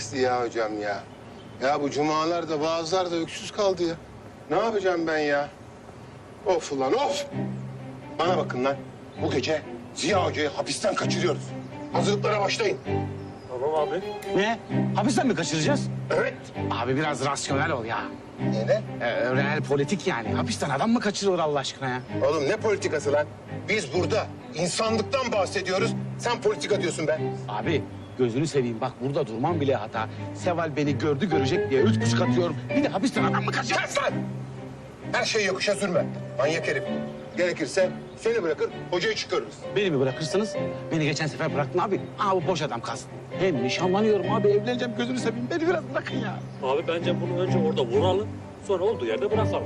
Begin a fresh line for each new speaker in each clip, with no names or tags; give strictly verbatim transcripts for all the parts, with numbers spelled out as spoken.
Ziya hocam ya. Ya bu cumalarda bazılar da öksüz kaldı ya. Ne yapacağım ben ya? Of ulan of! Bana bakın lan. Bu gece Ziya hocayı hapisten kaçırıyoruz. Hazırlıklara başlayın.
Tamam abi.
Ne? Hapisten mi kaçıracağız?
Evet.
Abi biraz rasyonel ol ya.
Ne?
Ee, real politik yani. Hapisten adam mı kaçırılır Allah aşkına ya?
Oğlum ne politikası lan? Biz burada insanlıktan bahsediyoruz. Sen politika diyorsun be.
Abi gözünü seveyim bak burada durmam bile hata. Seval beni gördü görecek diye üç buçuk atıyorum. Bir de hapisten adam mı kaçırır?
Kes lan! Her şeyi yokuşa sürme. Manyak herif. Gerekirse seni bırakır, hocayı çıkarırız.
Beni mi bırakırsınız? Beni geçen sefer bıraktın abi. Aa bu boş adam kalsın. Hem nişanlanıyorum abi evleneceğim gözünü seveyim. Beni biraz bırakın ya.
Abi bence bunu önce orada vuralım. Sonra olduğu yerde bırakalım.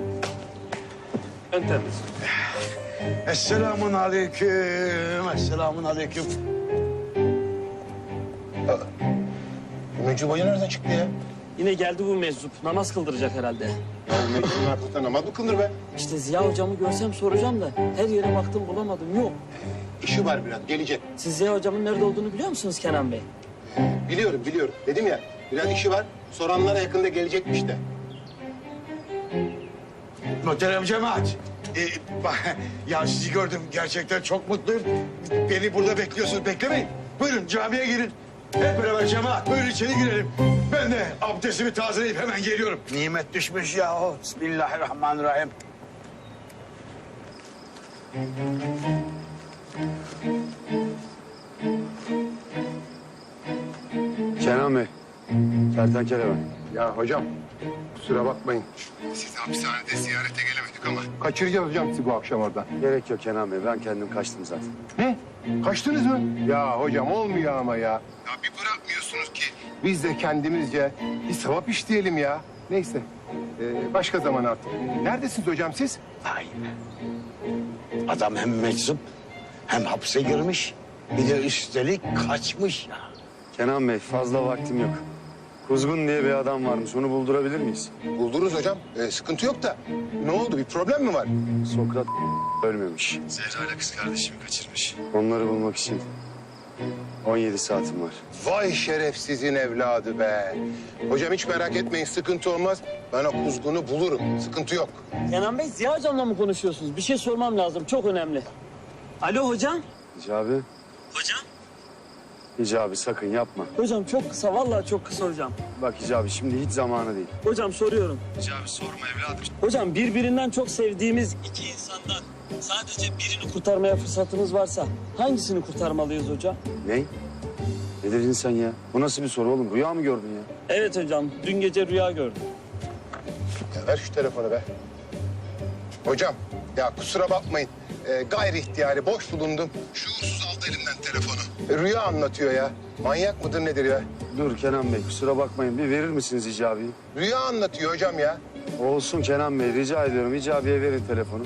En temiz.
Esselamun aleyküm, esselamun aleyküm.
Mecnun Hoca nereden çıktı ya?
Yine geldi bu meczup. Namaz kıldıracak herhalde.
Ya Mecnun artık namaz mı kılınır be?
İşte Ziya hocamı görsem soracağım da her yere baktım bulamadım. Yok.
İşi var biraz, gelecek.
Siz Ziya hocamın nerede olduğunu biliyor musunuz Kenan Bey?
Biliyorum, biliyorum. Dedim ya, biraz işi var. Soranlara yakında gelecekmiş de.
Muhterem cemaat. Ee, bak, ya sizi gördüm. Gerçekten çok mutluyum. Beni burada bekliyorsunuz. Beklemeyin. Buyurun camiye girin. Hep beraber cemaat. Buyurun içeri girelim. Ben de abdestimi tazeleyip hemen geliyorum. Nimet düşmüş yahu. Bismillahirrahmanirrahim.
Kenan Bey, kertenkele ben.
Ya hocam, kusura bakmayın. Sizi hapishanede ziyarete gelemedik ama... Kaçıracağız hocam sizi bu akşam oradan.
Gerek yok Kenan Bey, ben kendim kaçtım zaten.
Ne? Kaçtınız mı? Ya hocam olmuyor ama ya. Ya bir bırakmıyorsunuz ki. Biz de kendimizce bir sevap işleyelim ya. Neyse, ee, başka zaman artık. Neredesiniz hocam siz?
Vay be. Adam hem meczup hem hapse girmiş. Bir de üstelik kaçmış ya.
Kenan Bey, fazla vaktim yok. Kuzgun diye bir adam varmış, onu buldurabilir miyiz?
Buldunuz hocam. Ee, sıkıntı yok da. Ne oldu? Bir problem mi var?
Sokrat ölmemiş. Zehra ile kız kardeşimi kaçırmış. Onları bulmak için on yedi saatim var.
Vay şerefsizin evladı be. Hocam hiç merak etmeyin, sıkıntı olmaz. Ben o kuzgunu bulurum. Sıkıntı yok.
Kenan Bey Ziya hocamla mı konuşuyorsunuz? Bir şey sormam lazım. Çok önemli. Alo hocam.
Hicabi,
Hocam.
Hicabi sakın yapma.
Hocam çok kısa. Vallahi çok kısa hocam.
Bak Hicabi, şimdi hiç zamanı değil.
Hocam soruyorum.
Hicabi sorma evladım.
Hocam birbirinden çok sevdiğimiz iki insandan sadece birini kurtarmaya fırsatımız varsa hangisini kurtarmalıyız hocam?
Ne? Ne dedin sen ya? Bu nasıl bir soru oğlum? Rüya mı gördün ya?
Evet hocam. Dün gece rüya gördüm.
Ya ver şu telefonu be. Hocam, ya kusura bakmayın. Ee, gayri ihtiyari boş bulundum. Şuursuz aldı elimden telefonu. E, rüya anlatıyor ya. Manyak mıdır nedir ya?
Dur Kenan Bey, kusura bakmayın. Bir verir misiniz Hicabi'yi?
Rüya anlatıyor hocam ya.
Olsun Kenan Bey, rica ediyorum. Hicabi'ye verin telefonu.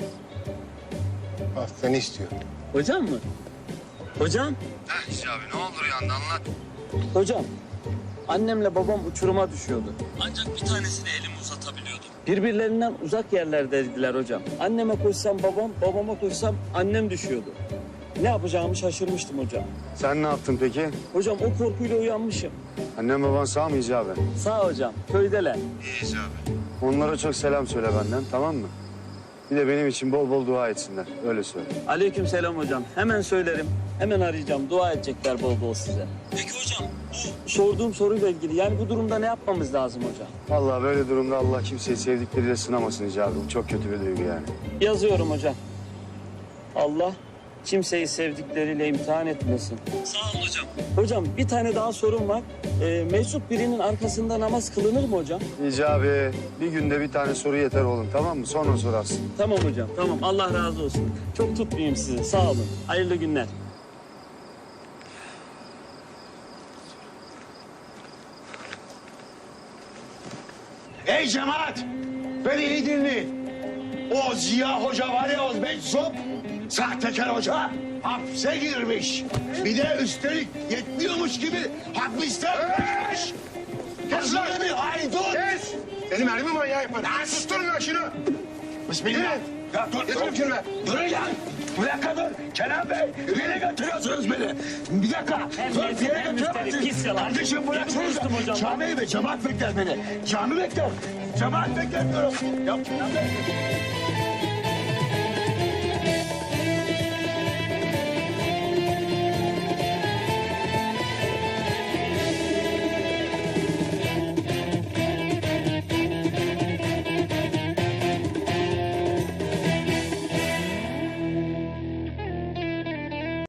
Ah, seni istiyor.
Hocam mı? Hocam?
Heh Hicabi, ne olur yandı anlat.
Hocam, annemle babam uçuruma düşüyordu. Ancak bir tanesini elimi uzatabiliyordum. Birbirlerinden uzak yerlerdeydiler hocam. Anneme koşsam babam, babama koşsam annem düşüyordu. Ne yapacağımı şaşırmıştım hocam.
Sen ne yaptın peki?
Hocam o korkuyla uyanmışım.
Annem baban sağ mı Hicabi?
Sağ hocam, köydeler.
İyi Hicabi. Onlara çok selam söyle benden, tamam mı? Bir de benim için bol bol dua etsinler, öyle söyle.
Aleyküm selam hocam. Hemen söylerim. Hemen arayacağım. Dua edecekler bol bol size. Peki hocam, bu sorduğum soruyla ilgili yani bu durumda ne yapmamız lazım hocam?
Vallahi böyle durumda Allah kimseyi sevdikleriyle sınamasın Hicabi. Bu çok kötü bir duygu yani.
Yazıyorum hocam. Allah kimseyi sevdikleriyle imtihan etmesin. Sağ olun hocam. Hocam bir tane daha sorum var. Ee, meczup birinin arkasında namaz kılınır mı hocam?
Hicabi, bir günde bir tane soru yeter oğlum, tamam mı? Sonra sorarsın.
Tamam hocam, tamam. Allah razı olsun. Çok tutmayayım sizi. Sağ olun. Hayırlı günler.
Ey cemaat! Beni iyi dinleyin. O Ziya Hoca var ya, o meczup, sahtekar hoca hapse girmiş. Bir de üstelik yetmiyormuş gibi hapisten kaçmış. Kes lan bir haydut!
Kes! Seni mermi manyağı yaparım. Lan susturun lan şunu!
Bismillah. Ya dur,
Getir
dur.
şunu be.
Dur lan. Bir dakika dur. Kenan Bey, nereye götürüyorsunuz beni? Bir dakika. Dur,
Terbiyesiz
nereye
bir
götürüyorsunuz?
müşteri, pis yalan.
Kardeşim bıraksana.
Konuştum hocam.
Cami mi? Cemaat bekler beni. Cami bekler. Cemaat bekler diyorum. Ya Kenan Bey.